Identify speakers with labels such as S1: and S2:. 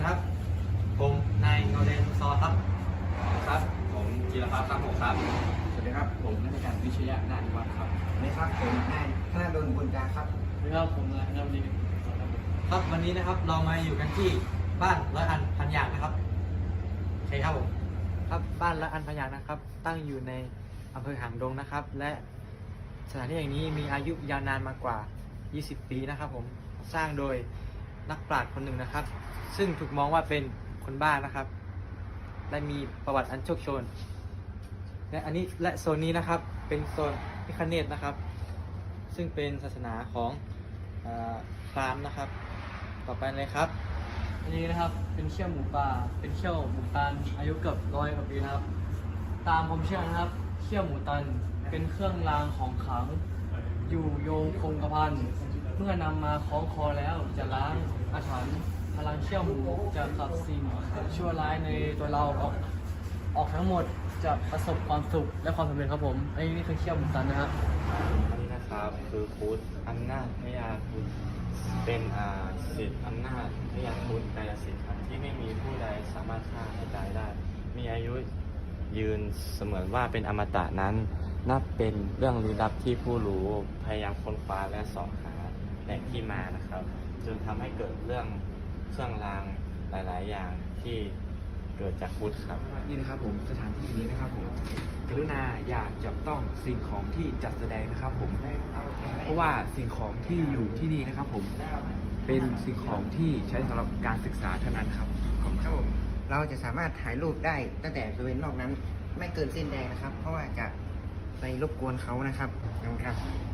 S1: ครับผมนายเงาแดงซอครับ
S2: ครับผมจิรพัฒน์ครับผมครับ
S3: สวัสดีครับผมนักการวิชยานาฏวัฒน์ครับ
S4: สวัสดีครับผมนายธนดลบุญจาครับ
S3: สวัสดีครับผมนายนวดี
S1: ครับวันนี้นะครับเรามาอยู่กันที่บ้านร้อยอันพันอย่างนะครับโอเคครับผมครับบ้านร้อยอันพันอย่างนะครับตั้งอยู่ในอำเภอหางดงนะครับและสถานที่แห่งนี้มีอายุยาวนานมากว่า20 ปีนะครับผมสร้างโดยนักปราชญ์คนหนึ่งนะครับซึ่งถูกมองว่าเป็นคนบ้านะครับและมีประวัติอันโชคโชนและโซนนี้นะครับเป็นโซนพิฆเนศนะครับซึ่งเป็นศาสนาของพราหมณ์นะครับต่อไปเลยครับ
S3: อันนี้นะครับเป็นเขี้ยวหมูป่าเป็นเขี้ยวหมูตันอายุเกือบ100 กว่าปีนะครับตามความเชื่อนะครับเขี้ยวหมูตันเป็นเครื่องรางของขลังอยู่โยงคงกระพันเมื่อนำมาคล้องคอแล้วจะล้างอาถรรพ์พลังเขี้ยวหมูจะขับสิ่งชั่วร้ายในตัวเราออกทั้งหมดจะประสบความสุขและความสำเร็จครับผมอันนี้คือเขี้ยวหมูตันนะครับ
S2: อันนี้นะครับคือพุทธอำนาจพญาพุทธเป็นสิทธิอำนาจพญาพุทธกายสิทธิ์ครับที่ไม่มีผู้ใดสามารถฆ่าให้ตายได้มีอายุยืนเสมือนว่าเป็นอมตะนั้นนับเป็นเรื่องลี้ลับที่ผู้รู้พยายามค้นคว้าและเสาะหาแหล่งที่มานะครับจนทำให้เกิดเรื่องเครื่องรางหลายๆ อย่างที่เกิดจากพุทธครับ
S4: นี่นะครับผมสถานที่นี้นะครับผมกรุณาอย่าจับต้องสิ่งของที่จัดแสดงนะครับผมเพราะว่าสิ่งของที่อยู่ที่นี่นะครับผมเป็นสิ่งของที่ใช้สำหรับการศึกษาเท่านั้นครับครับผมเราจะสามารถถ่ายรูปได้ตั้งแต่บริเวณนอกนั้นไม่เกินเส้นแดงนะครับเพราะว่าจะไปรบกวนเขานะครับครับ